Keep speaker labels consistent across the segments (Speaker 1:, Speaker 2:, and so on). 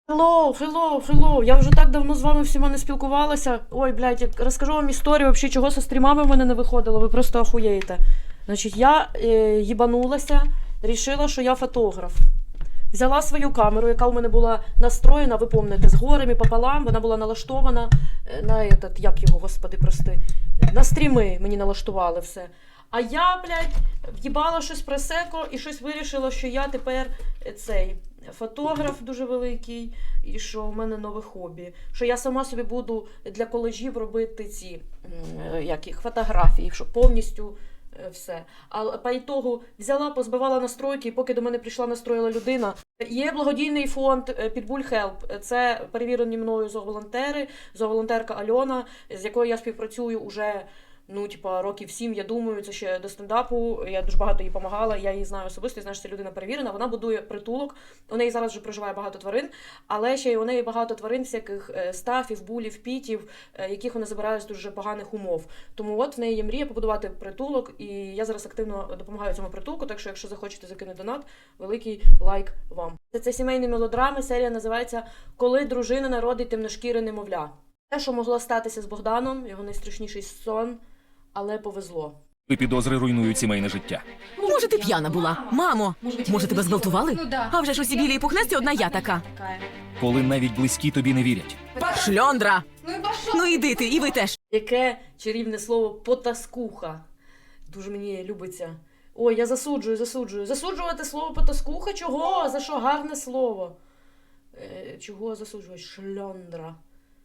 Speaker 1: Hello. Я вже так давно з вами всіма не спілкувалася. Ой, блядь, я розкажу вам історію, взагалі, чого зі стрімами в мене не виходило, ви просто охуєєте. Значить, я їбанулася, рішила, що я фотограф. Взяла свою камеру, яка у мене була настроєна, ви пам'ятаєте, з горем і пополам, вона була налаштована на этот, як його, господи, прости, на стріми мені налаштували все. А я, блядь, в'їбала щось пресеко і щось вирішила, що я тепер цей фотограф дуже великий і що в мене нове хобі. Що я сама собі буду для коледжів робити ці фотографії, що повністю все. А по ітогу взяла, позбивала настройки, і поки до мене прийшла настроїла людина. Є благодійний фонд Pitbull Help. Це перевірені мною зооволонтери, зооволонтерка Альона, з якою я співпрацюю уже років 7, я думаю, це ще до стендапу, я дуже багато їй допомагала, я її знаю особисто, я знаю, що це людина перевірена, вона будує притулок, у неї зараз вже проживає багато тварин, але ще й у неї багато тварин всяких стафів, булів, пітів, яких вона забирає з дуже поганих умов. Тому от в неї є мрія побудувати притулок, і я зараз активно допомагаю цьому притулку, так що якщо захочете закинути донат, великий лайк вам. Це сімейні мелодрами, серія називається «Коли дружина народить темношкіре немовля». Те, що могло статися з Богданом, його найстрашніший сон, але повезло.
Speaker 2: Підозри руйнують сімейне життя.
Speaker 3: Може, ти п'яна була? Мамо, може, тебе зґвалтували? А вже ж усі білі і пухнасті, одна я така.
Speaker 2: Коли навіть близькі тобі не вірять.
Speaker 3: Шльондра! Ну іди ти, і ви теж.
Speaker 1: Яке чарівне слово «потаскуха». Дуже мені любиться. Ой, я засуджую. Засуджувати слово «потаскуха»? Чого? За що? Гарне слово. Чого засуджувати? Шльондра.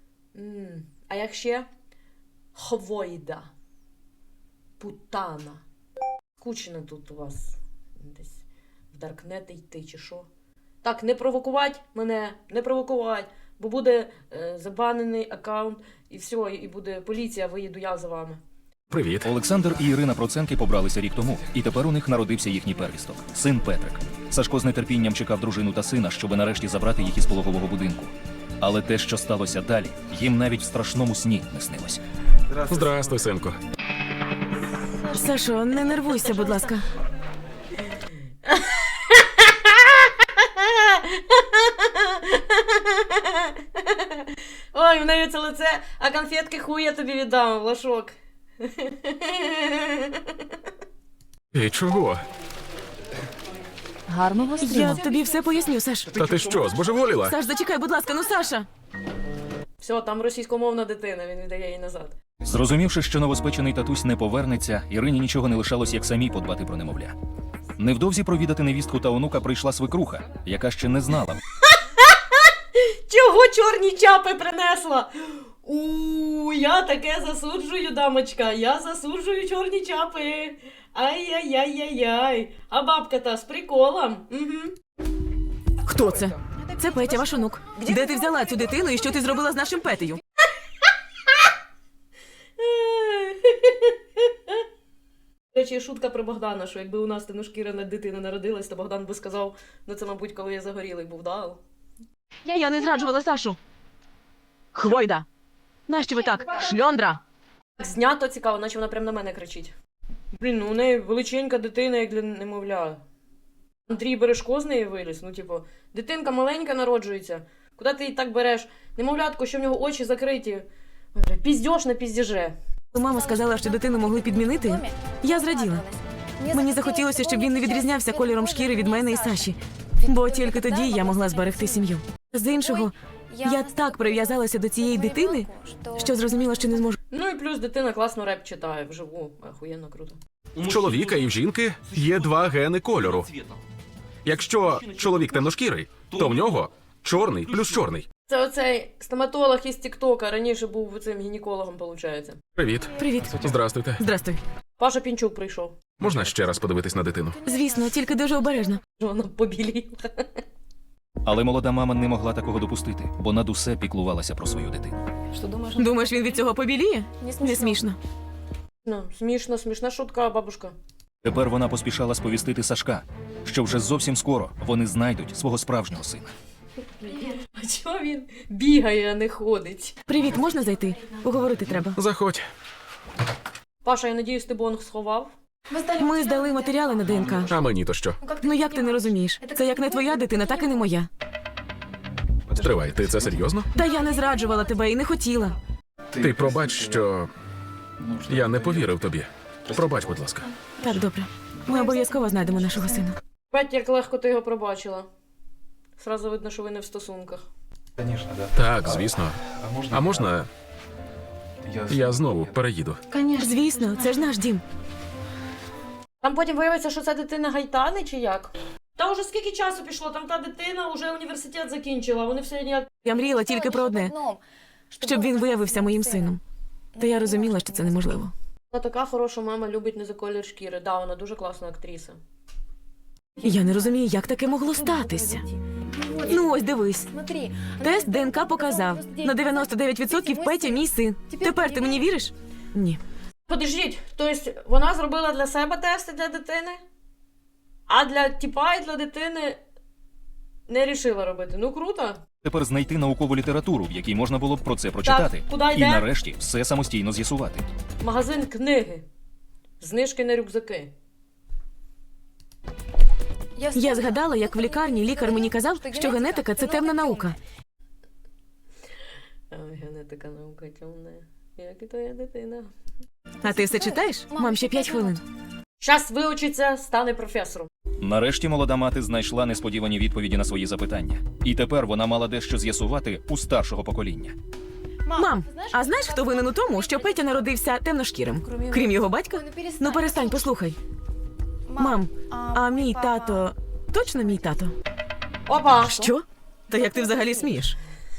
Speaker 1: А як ще? Хвойда. Путана. Скучно тут у вас десь в Даркнети йти чи що. Так, не провокувати мене, не провокувати, бо буде забанений аккаунт і все, і буде поліція, виїду я за вами.
Speaker 2: Привіт. Олександр і Ірина Проценки побралися рік тому, і тепер у них народився їхній первісток – син Петрик. Сашко з нетерпінням чекав дружину та сина, щоби нарешті забрати їх із пологового будинку. Але те, що сталося далі, їм навіть в страшному сні не снилося.
Speaker 4: Здрастуй, синку.
Speaker 3: Сашо, не нервуйся, будь ласка.
Speaker 1: Ой, в неї це лице, а конфетки хуй я тобі віддам, Влашок.
Speaker 4: І чого?
Speaker 3: Гарного стріму. Я тобі все поясню, Саш.
Speaker 4: Та ти що, збожеволіла?
Speaker 3: Саш, зачекай, будь ласка, ну Саша.
Speaker 1: Все, там російськомовна дитина, він віддає її назад.
Speaker 2: Зрозумівши, що новоспечений татусь не повернеться, Ірині нічого не лишалось, як самій подбати про немовля. Невдовзі провідати невістку та онука прийшла свекруха, яка ще не знала.
Speaker 1: Чого чорні чапи принесла? Я таке засуджую, дамочка, я засуджую чорні чапи. Ай-яй-яй-яй-яй. А бабка-то з приколом. Угу.
Speaker 3: Хто це? Це Петя, ваш онук. Де ти взяла цю дитину і що ти зробила з нашим Петею?
Speaker 1: До речі, шутка про Богдана, що якби у нас темношкірена дитина народилась, то Богдан би сказав, це, мабуть, коли я загорілий був, да?
Speaker 3: Я не зраджувала Сашу. Хвойда. Нащо ви так? Шльондра.
Speaker 1: Знято цікаво, наче вона прямо на мене кричить. Блін, у неї величенька дитина, як для немовля. Андрій Бережко з неї виліз, дитинка маленька народжується. Куди ти її так береш? Немовлятко, що в нього очі закриті. Піздьош на піздіже.
Speaker 3: Мама сказала, що дитину могли підмінити. Я зраділа. Мені захотілося, щоб він не відрізнявся кольором шкіри від мене і Саші. Бо тільки тоді я могла зберегти сім'ю. З іншого, я так прив'язалася до цієї дитини, що зрозуміла, що не зможу.
Speaker 1: Ну і плюс дитина класно реп читає вживу. Охуєнно круто.
Speaker 4: В чоловіка і в жінки є два гени кольору. Якщо чоловік темношкірий, то в нього чорний плюс чорний.
Speaker 1: Це оцей стоматолог із Тіктока, раніше був цим гінекологом, виходить.
Speaker 4: Привіт.
Speaker 3: Привіт.
Speaker 4: Здрастуйте.
Speaker 3: Здрастуй.
Speaker 1: Паша Пінчук прийшов.
Speaker 4: Можна ще раз подивитись на дитину?
Speaker 3: Звісно, тільки дуже обережно.
Speaker 1: Вона побіліла.
Speaker 2: Але молода мама не могла такого допустити, бо над усе піклувалася про свою дитину.
Speaker 3: Думаєш, він від цього побіліє? Не смішно.
Speaker 1: Смішна шутка, бабушка.
Speaker 2: Тепер вона поспішала сповістити Сашка, що вже зовсім скоро вони знайдуть свого справжнього сина.
Speaker 1: А чого він бігає, а не ходить?
Speaker 3: Привіт, можна зайти? Поговорити треба.
Speaker 4: Заходь.
Speaker 1: Паша, я надіюсь, ти бонг сховав?
Speaker 3: Ми здали матеріали на ДНК.
Speaker 4: А мені то що?
Speaker 3: Ну як ти не розумієш? Це як не твоя дитина, так і не моя.
Speaker 4: Стривай, ти це серйозно?
Speaker 3: Та я не зраджувала тебе і не хотіла.
Speaker 4: Ти пробач, що я не повірив тобі. Пробач, будь ласка.
Speaker 3: Так, добре. Ми обов'язково знайдемо нашого сина.
Speaker 1: Бать, як легко ти його пробачила. Сразу видно, що ви не в стосунках.
Speaker 5: Конечно, да.
Speaker 4: Так, звісно. А можна я знову переїду?
Speaker 3: Звісно, це ж наш дім.
Speaker 1: Там потім виявиться, що це дитина Гайтани чи як? Та вже скільки часу пішло, там та дитина вже університет закінчила, вони все ніяк.
Speaker 3: Я мріяла тільки про одне, щоб він виявився моїм сином. Та я розуміла, що це неможливо.
Speaker 1: Вона така хороша мама, любить не за колір шкіри. Да, вона дуже класна актриса.
Speaker 3: Я не розумію, як таке могло статися. Ну ось дивись. Тест ДНК показав. На 99% Петя мій син. Тепер ти мені віриш? Ні.
Speaker 1: Подождіть, тобто вона зробила для себе тести для дитини, а для тіпа і для дитини не рішила робити. Ну круто.
Speaker 2: Тепер знайти наукову літературу, в якій можна було б про це прочитати.
Speaker 1: куди
Speaker 2: І
Speaker 1: йде?
Speaker 2: нарешті все самостійно з'ясувати.
Speaker 1: Магазин книги. Знижки на рюкзаки.
Speaker 3: Я згадала, як в лікарні лікар мені казав, що генетика – це темна наука.
Speaker 1: Ой, генетика наука темна. Як і твоя дитина.
Speaker 3: А ти все читаєш? Мам, ще 5 хвилин.
Speaker 1: Щас виучиться, стане професором.
Speaker 2: Нарешті молода мати знайшла несподівані відповіді на свої запитання. І тепер вона мала дещо з'ясувати у старшого покоління.
Speaker 3: Мам, а знаєш, хто винен у тому, що Петя народився темношкірим? Крім його батька? Ну перестань, послухай. Мам, а мій тато точно мій тато?
Speaker 1: Опа!
Speaker 3: Що? Та як ти взагалі смієш?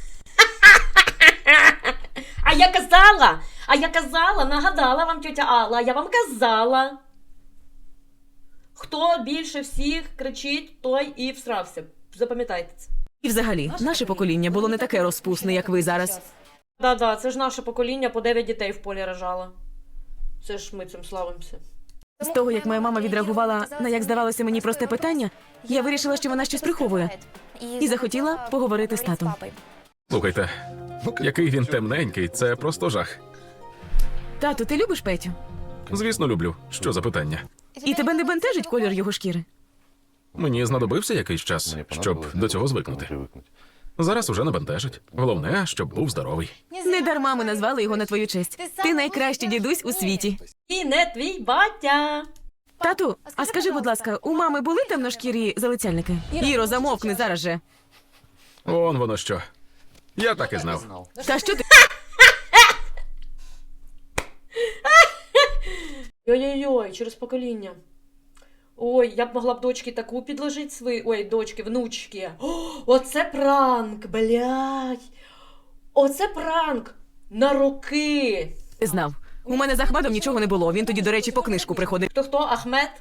Speaker 1: А я казала, нагадала вам тьотя Алла, я вам казала. Хто більше всіх кричить, той і всрався. Запам'ятайте це.
Speaker 3: І взагалі, наше покоління було не таке розпусне, як ви зараз.
Speaker 1: Да-да, це ж наше покоління по 9 дітей в полі рожало. Це ж ми цим славимося.
Speaker 3: З того, як моя мама відреагувала на, як здавалося мені, просте питання, я вирішила, що вона щось приховує. І захотіла поговорити з татом.
Speaker 4: Слухайте, який він темненький, це просто жах.
Speaker 3: Тату, ти любиш Петю?
Speaker 4: Звісно, люблю. Що за питання?
Speaker 3: І тебе не бентежить колір його шкіри?
Speaker 4: Мені знадобився якийсь час, щоб до цього звикнути. Зараз уже не бентежить. Головне, щоб був здоровий.
Speaker 3: Не дарма ми назвали його на твою честь. Ти найкращий дідусь у світі.
Speaker 1: І не твій батя.
Speaker 3: Тату, а скажи, будь ласка, у мами були темношкірі залицяльники? Іро, замовкни зараз же.
Speaker 4: Он воно що. Я так і знав.
Speaker 3: Та що ти?
Speaker 1: Ой-ой-ой, через покоління. Ой, я б могла б дочки таку підложити свої. Ой, дочки, внучки. О, оце пранк, блядь. Оце пранк на роки.
Speaker 3: Ти знав. У мене з Ахмедом нічого не було. Він тоді, до речі, по книжку приходив.
Speaker 1: Хто Ахмед?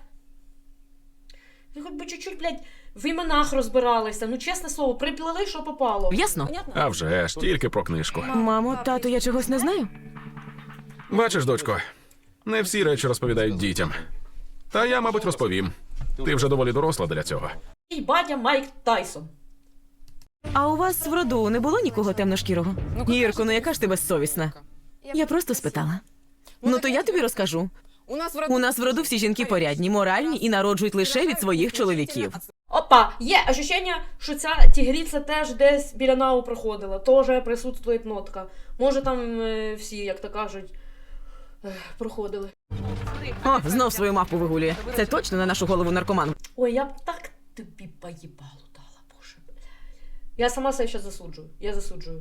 Speaker 1: Ви хоч би чуть-чуть, блядь, в іменах розбиралися. Ну, чесне слово, приплели, що попало.
Speaker 3: Ясно?
Speaker 4: А вже ж, тільки про книжку.
Speaker 3: Мамо, тату, я чогось не знаю?
Speaker 4: Бачиш, дочко, не всі речі розповідають дітям. Та я, мабуть, розповім. Ти вже доволі доросла для цього.
Speaker 1: І батя Майк Тайсон.
Speaker 3: А у вас в роду не було нікого темношкірого? Ірко, ну яка ж ти безсовісна? Я просто спитала. Ну то я тобі розкажу. У нас в роду всі жінки порядні, моральні і народжують лише від своїх чоловіків.
Speaker 1: Опа, є ощущення, що ця тігріця теж десь біля НАУ проходила. Теж присутствує нотка. Може там всі, як то кажуть, проходили.
Speaker 3: О, знов свою мапу вигулює. Це точно на нашу голову наркоман.
Speaker 1: Ой, я б так тобі поїбалу дала, боже. Я сама себе ще засуджую. Я засуджую.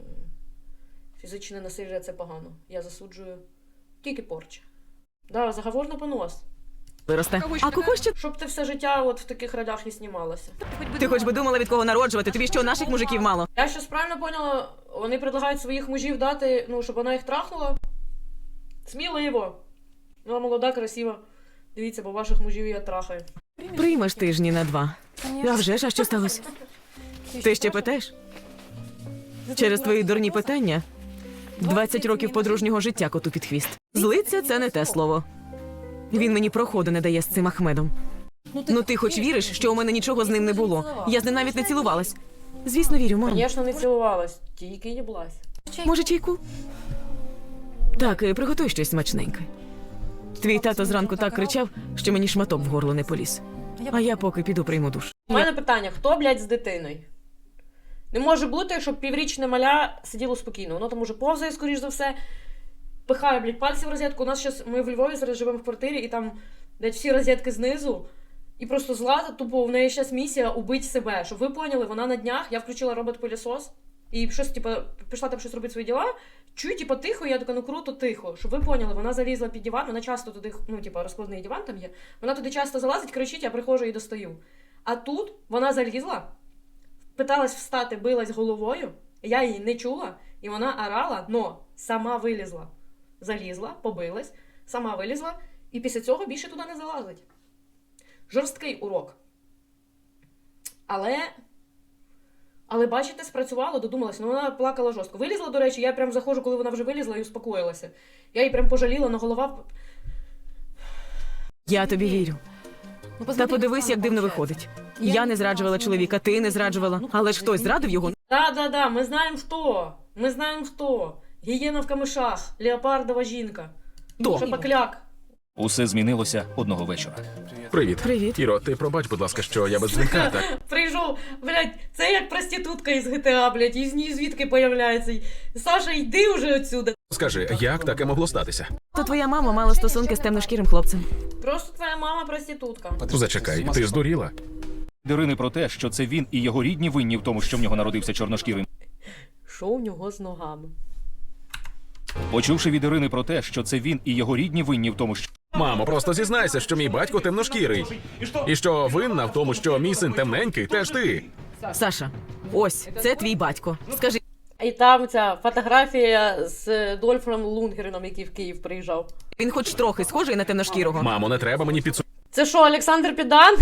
Speaker 1: Фізичне насилля – це погано. Я засуджую тільки порча. Да, заговор на понос.
Speaker 3: Виросте. А кого ще?
Speaker 1: Щоб ти все життя от в таких ролях і знімалася.
Speaker 3: Ти хоч би думала, від кого народжувати? Тобі що, наших мужиків мало?
Speaker 1: Я щось правильно поняла, вони предлагають своїх мужів дати, ну, щоб вона їх трахнула. Сміливо. Ну, а молода, красива. Дивіться, бо ваших мужів я трахаю.
Speaker 3: Приймеш тижні на 2. А вже ж, а що сталося? Ти ще питаєш? Через твої дурні питання 20 років подружнього життя коту під хвіст. Злиться – це не те слово. Він мені проходу не дає з цим Ахмедом. Ну ти хоч віриш, що у мене нічого з ним не було? Я з ним навіть не цілувалась. Звісно, вірю, мам.
Speaker 1: Звісно, не цілувалась, тільки їблась.
Speaker 3: Може, чайку? Так, і приготуй щось смачненьке. Твій тато зранку так кричав, що мені шматок в горло не поліз. А я поки піду прийму душ.
Speaker 1: У мене питання, хто, блядь, з дитиною? Не може бути, щоб піврічне маля сиділо спокійно. Воно там уже повзає, скоріш за все, пихає, блядь, пальці в розетку. У нас зараз, ми в Львові зараз живемо в квартирі, і там, блядь, всі розетки знизу. І просто Злата, тупо, в неї зараз місія убити себе. Щоб ви поняли, вона на днях, я включила робот-пилісос, і щось, типа, пішла там щось робити свої діла, чую, типа, тихо, я така, ну круто, тихо. Щоб ви поняли, вона залізла під диван, вона часто туди, ну, типа, розкладний диван там є, вона туди часто залазить, кричить, я приходжу і достаю. А тут вона залізла, питалась встати, билась головою, я її не чула, і вона орала, но сама вилізла. Залізла, побилась, сама вилізла, і після цього більше туди не залазить. Жорсткий урок. Але бачите, спрацювало, додумалася. Ну, вона плакала жорстко. Вилізла, до речі, я прям заходжу, коли вона вже вилізла і успокоїлася. Я її прям пожаліла, на голова...
Speaker 3: Я тобі вірю.
Speaker 1: Ну,
Speaker 3: Та подивись, як дивно виходить. Я не зраджувала чоловіка, ти не зраджувала. Але ж хтось зрадив його.
Speaker 1: Да, ми знаємо хто. Ми знаємо хто. Гієна в камишах, леопардова жінка.
Speaker 4: Хто?
Speaker 1: Шапокляк.
Speaker 2: Усе змінилося одного вечора.
Speaker 4: Привіт.
Speaker 3: Привіт.
Speaker 4: Іро, ти пробач, будь ласка, що я без дзвінка, так?
Speaker 1: Прийшов, блядь, це як проститутка із GTA, блядь, із ній звідки появляється. Саша, йди уже отсюда.
Speaker 4: Скажи, як таке могло статися?
Speaker 3: То твоя мама мала стосунки з темношкірим хлопцем.
Speaker 1: Просто твоя мама проститутка.
Speaker 4: Зачекай, ти здуріла?
Speaker 2: Від Ірини про те, що це він і його рідні винні в тому, що в нього народився чорношкірий.
Speaker 1: Що у нього з ногами?
Speaker 2: Почувши від Ірини про те, що це він і його рідні винні в тому, що
Speaker 4: Мамо, просто зізнайся, що мій батько темношкірий. І що винна в тому, що мій син темненький, теж ти.
Speaker 3: Саша, ось, це твій батько. Скажи,
Speaker 1: І там ця фотографія з Дольфом Лунгреном, який в Київ приїжджав.
Speaker 3: він хоч трохи схожий на темношкірого?
Speaker 4: Мамо, не треба мені підсу...
Speaker 1: Це що, Олександр Підан?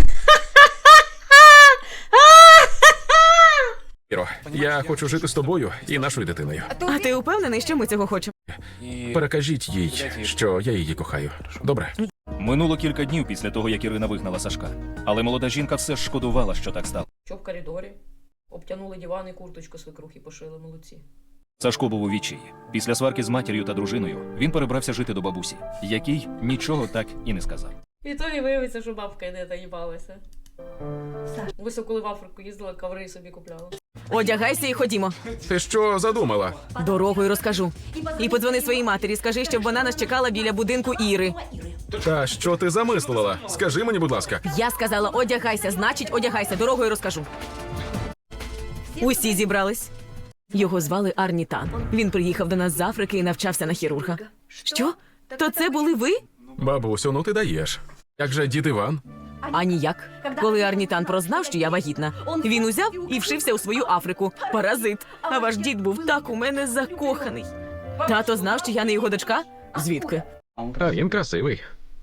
Speaker 4: Іро, я хочу жити з тобою і нашою дитиною.
Speaker 3: А ти упевнений, що ми цього хочемо?
Speaker 4: Перекажіть їй, що я її кохаю. Добре?
Speaker 2: минуло кілька днів після того, як Ірина вигнала Сашка. Але молода жінка все ж шкодувала, що так стало.
Speaker 1: Що в коридорі? Обтянули диван і курточку свекрухи пошили, молодці.
Speaker 2: Сашко був у відчаї. Після сварки з матір'ю та дружиною він перебрався жити до бабусі, якій нічого так і не сказав.
Speaker 1: І то і виявиться, що бабка не доїбалася. Ось коли в Африку їздила, коври собі купляла.
Speaker 3: Одягайся і ходімо.
Speaker 4: Ти що задумала?
Speaker 3: Дорогою розкажу. І подзвони своїй матері, скажи, щоб вона нас чекала біля будинку Іри.
Speaker 4: Та що ти замислила? Скажи мені, будь ласка.
Speaker 3: Я сказала, одягайся, значить одягайся, дорогою розкажу. Усі зібрались. Його звали Арнітан. Він приїхав до нас з Африки і навчався на хірурга. Що? То це були ви?
Speaker 4: Бабусю, ну ти даєш. Як же дід Іван?
Speaker 3: А ніяк. Коли Арнітан прознав, що я вагітна, він узяв і вшився у свою Африку. Паразит. А ваш дід був так у мене закоханий. Тато знав, що я не його дочка? Звідки?
Speaker 4: А він красивий.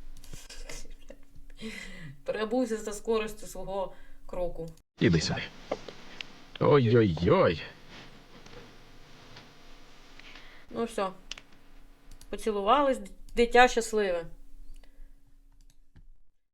Speaker 1: Перебувся за скоростю свого кроку.
Speaker 4: Іди сюди. Ой-ой-ой.
Speaker 1: Ну все. Поцілувались, дитя щасливе.